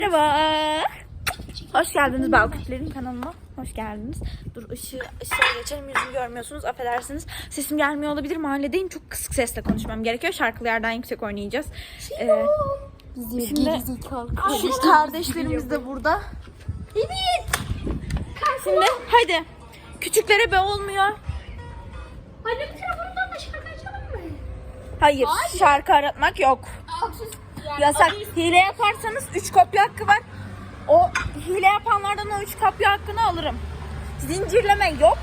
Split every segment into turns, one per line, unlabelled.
Merhaba. Hoş geldiniz Balkütlerin kanalına. Hoş geldiniz. Dur ışığa geçelim, yüzümü görmüyorsunuz, affedersiniz. Sesim gelmiyor olabilir, mahalledeyim. Çok kısık sesle konuşmam gerekiyor. Şarkılı yerden yüksek oynayacağız. Şimdi şu kardeşlerimiz de burada.
Evet.
Şimdi hadi. Küçüklere be olmuyor.
Anne bir telefonundan da şarkı açalım mı?
Hayır, şarkı aratmak yok. Yasak. Hile yaparsanız 3 kopya hakkı var. O hile yapanlardan o 3 kopya hakkını alırım. Zincirleme yok.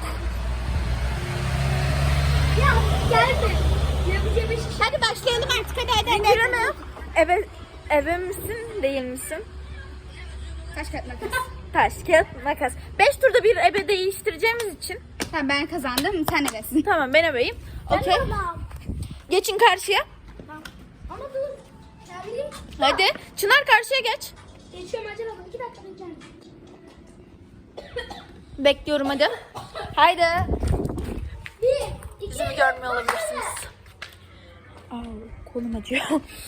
Ya gelme. Yapacağım iş. Hadi başlayalım artık hadi.
Zincirleme yok. Eve misin, değil misin?
Taş kağıt makas.
Taş, kağıt, makas. 5 turda bir ebe değiştireceğimiz için.
Tamam ben kazandım. Sen neresin?
Tamam, ben ebeyim. Okey. Geçin karşıya.
Ama dur. Ya
Hadi. Çınar karşıya geç.
geçiyorum acaba. 2 dakika beklerim.
Bekliyorum hadi. Haydi.
1, 2,
Yüzümü görmüyor olabilirsiniz. Kolum acıyor.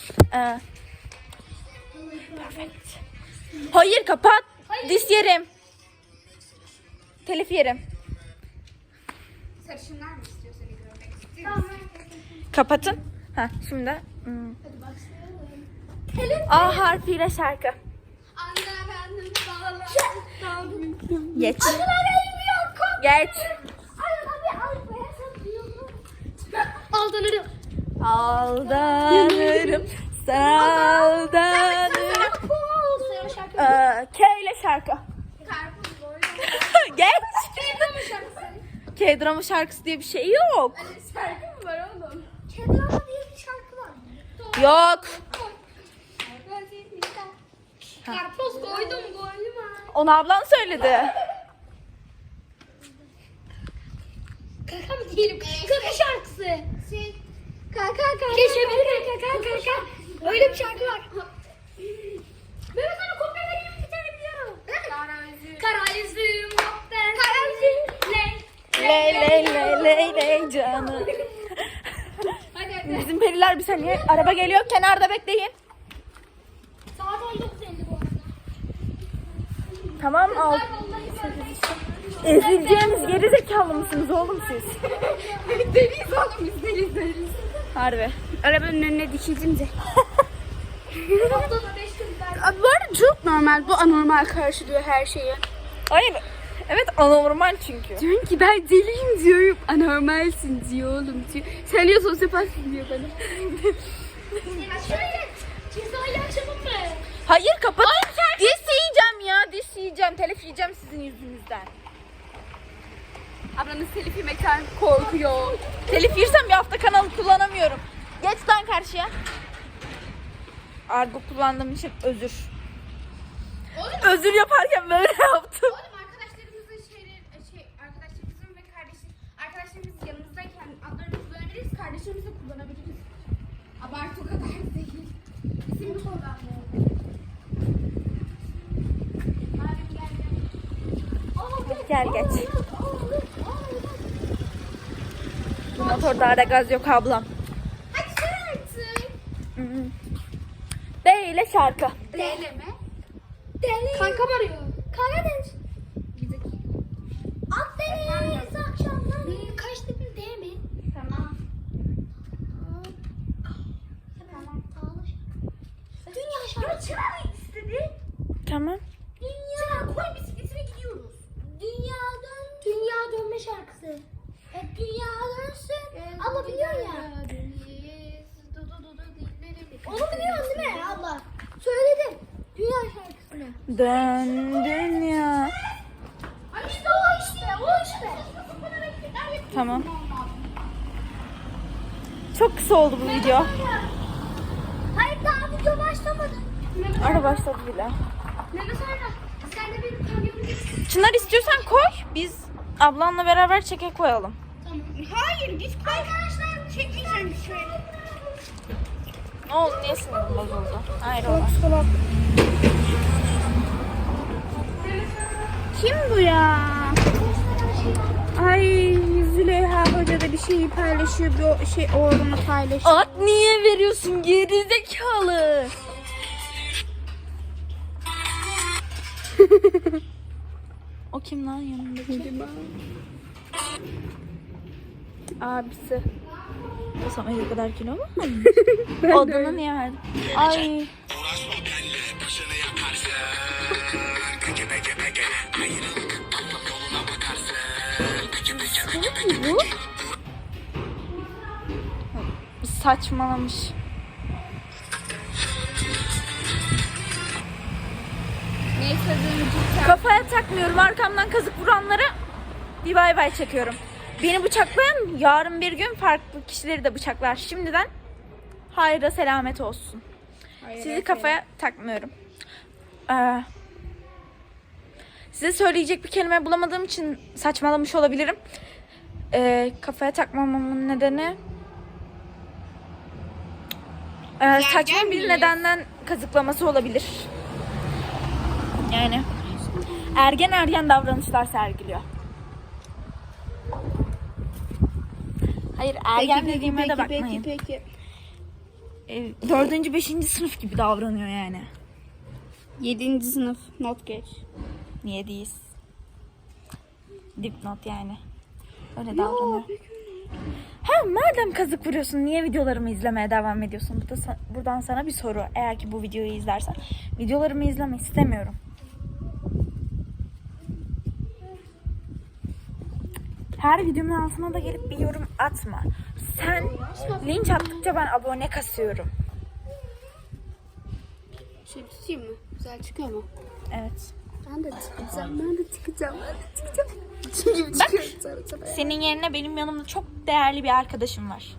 Perfect. Hayır, kapat. Dis yerim. Telif yerim.
Sarışınlar mı istiyor seni görmek istiyor? Tamam.
Kapatın. Şimdi.
Hadi başlayalım.
A harfiyle şarkı.
Anne benim bağlı.
Geç.
Bilmiyorum.
Geç.
Aldanırım.
Aldanırım. Sana aldanırım. K ile şarkı.
Karpuz boyu.
Geç.
K-drama şarkısı.
K-drama şarkısı diye bir şey yok.
Şarkı mı var oğlum? K-drama diye bir şarkı var.
Yok.
Karpuz koydum ha.
Onu ablan söyledi.
Kaka mı diyelim? Kaka şarkısı. Kaka. Keşfedin kaka. Öyle bir şarkı var. Ben sana kopya vereyim, bir tane biliyorum. Kara yüzüm yok ben. Kara yüzüm.
Ley canım.
Hadi.
Bizim periler bir saniye. Araba geliyor, kenarda bekleyin.
Saat 19.50 bu arada.
Tamam al. Ezileceğiniz geri zekalı mısınız oğlum siz?
Deliyiz oğlum biz deliyiz.
Harbi.
Arabanın önüne dikildim de. Haftada 5 gün ben.
Bu arada çok
Normal, bu anormal karşılıyor her şeyi.
Hayır. Evet, anormal çünkü.
Diyorum ki ben deliyim diyorum. Anormalsin diyor oğlum diyor. Sen diyor sosyopatsın diyor bana. Cezayı açalım mı?
Hayır, kapat. Dis yiyeceğim ya. Dis yiyeceğim. Telif yiyeceğim sizin yüzünüzden.
Ablanız telif yemekten korkuyor.
Telif yersem bir hafta kanalı kullanamıyorum. Geç lan karşıya. Argo kullandığım için özür. Özür yaparken böyle yaptım.
Oğlum arkadaşlarımızın ve arkadaşlarımız yanımızdayken adlarını kullanabiliriz, kardeşlerimizi de kullanabiliriz. Abartı o kadar değil. İsim kullanmıyor.
Gel geç. Bu motorda ara gaz yok ablam.
Hadi sen artık.
D ile şarkı.
Deli mi?
Kankam arıyor.
Karadeniz.
Akdeniz akşamları. Kaç dedin değil mi?
Tamam.
Dünya şarkısı.
Çınar istedi.
Tamam.
Dünya.
Koy bisikletine gidiyoruz.
Dünya dönme şarkısı. Dünya dönsün. Abla biliyor ya. Onu biliyorsun değil mi abla? Söyledim. Dünya şarkısını.
Dön dünya.
İşte o işte.
Tamam. Çok kısa oldu bu video.
Hayır daha video başlamadı.
Ara başladı bile.
Mehmet sonra sen de benim kamyonumu getir.
Çınar istiyorsan koy. Biz ablanla beraber çeke koyalım.
Tamam. Hayır git koy. Arkadaşlar çekmeyeceğim şöyle.
Ne oldu? Niye sinirim bozuldu? Hayır ola.
Kim bu ya? Ay Züleyha Hoca da bir şeyi paylaşıyor. Bir şey oğlunu paylaşıyor.
At niye veriyorsun gerizekalı? O kim lan yanındaki? Abisi. O Samet o kadar kilo mu? Odunu niye verdin? Ay. Bu? Saçmalamış.
Neyse dönücü.
Kafaya takmıyorum. Arkamdan kazık vuranlara bir bay bay çekiyorum. Beni bıçaklayan yarın bir gün farklı kişileri de bıçaklar. Şimdiden hayra selamet olsun. Sizi kafaya takmıyorum. Size söyleyecek bir kelime bulamadığım için saçmalamış olabilirim. Kafaya takmamamın nedeni saçma bir nedenden kazıklaması olabilir. Yani ergen davranışlar sergiliyor. Hayır, ergen dediğime de bakmayın.
Peki.
4. 5. sınıf gibi davranıyor yani.
7. sınıf not geç.
Niye değiliz? Dipnot yani. Öyle davranıyor. Ha, madem kazık vuruyorsun niye videolarımı izlemeye devam ediyorsun? Buradan sana bir soru. Eğer ki bu videoyu izlersen. Videolarımı izleme istemiyorum. Her videomun altına da gelip bir yorum atma. Sen linç attıkça ben abone kasıyorum.
Şey tutayım mı? Güzel çıkıyor mu?
Evet.
Ben de çıkacağım. Çünkü
Bak, senin yerine benim yanımda çok değerli bir arkadaşım var.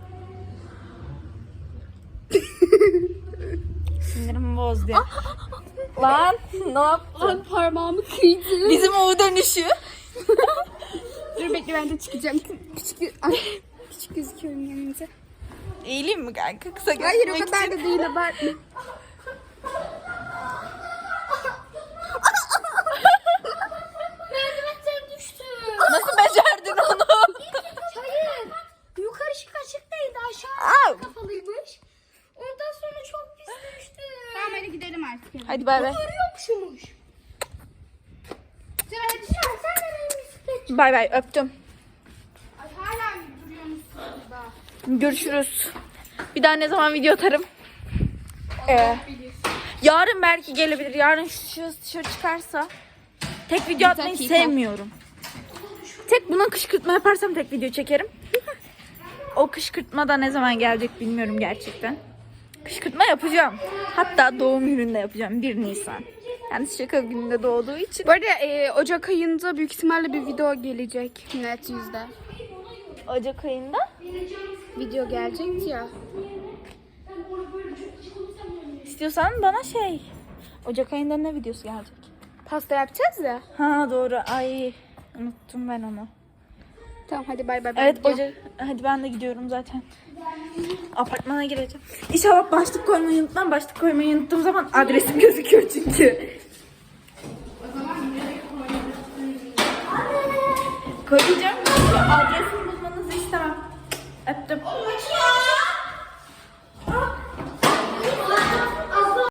Sinirimi bozdu. Lan ne yaptın?
Lan parmağımı kıydı.
Bizim o dönüşü.
Dur bekle ben de çıkacağım. Küçük gözüküyorum yanınca.
Eğileyim mi kanka? Kısa
Hayır o
gözükmek
kadar
için.
da değil abartma. Merdivenden düştü.
Nasıl becerdin onu?
Hayır. Yukarı açıktaydı
Au.
aşağı kafalıymış. Ondan sonra çok pis düştü. Tamam hadi gidelim artık.
Hadi bay bay.
Arıyormuşmuş. Sen de benim bisiklet.
Bay bay öptüm.
Ay hala duruyormuşsun burada.
Görüşürüz. Bir daha ne zaman video atarım?
Bilir.
Yarın belki gelebilir. Yarın şu dışarı çıkarsa. Tek video atmayı
dakika.
sevmiyorum. Tek buna kışkırtma yaparsam tek video çekerim. O kışkırtma da ne zaman gelecek bilmiyorum gerçekten. Kışkırtma yapacağım. Hatta doğum gününde yapacağım. 1 Nisan. Yani şaka gününde doğduğu için.
Bu arada Ocak ayında büyük ihtimalle bir video gelecek. Net yüzde.
Ocak ayında.
Video gelecek ya.
İstiyorsan bana Ocak ayında ne videosu gelecek?
Pasta yapacağız ya.
Ha doğru. Ay unuttum ben onu.
Tamam hadi bay bay.
Evet Ocak. Hadi ben de gidiyorum zaten. Apartmana gireceğim. İnşallah başlık koymayı unutmam. Başlık koymayı unuttuğum zaman adresim gözüküyor çünkü. Koyacağım. Adresimi bulmanızı istemem. Öptüm.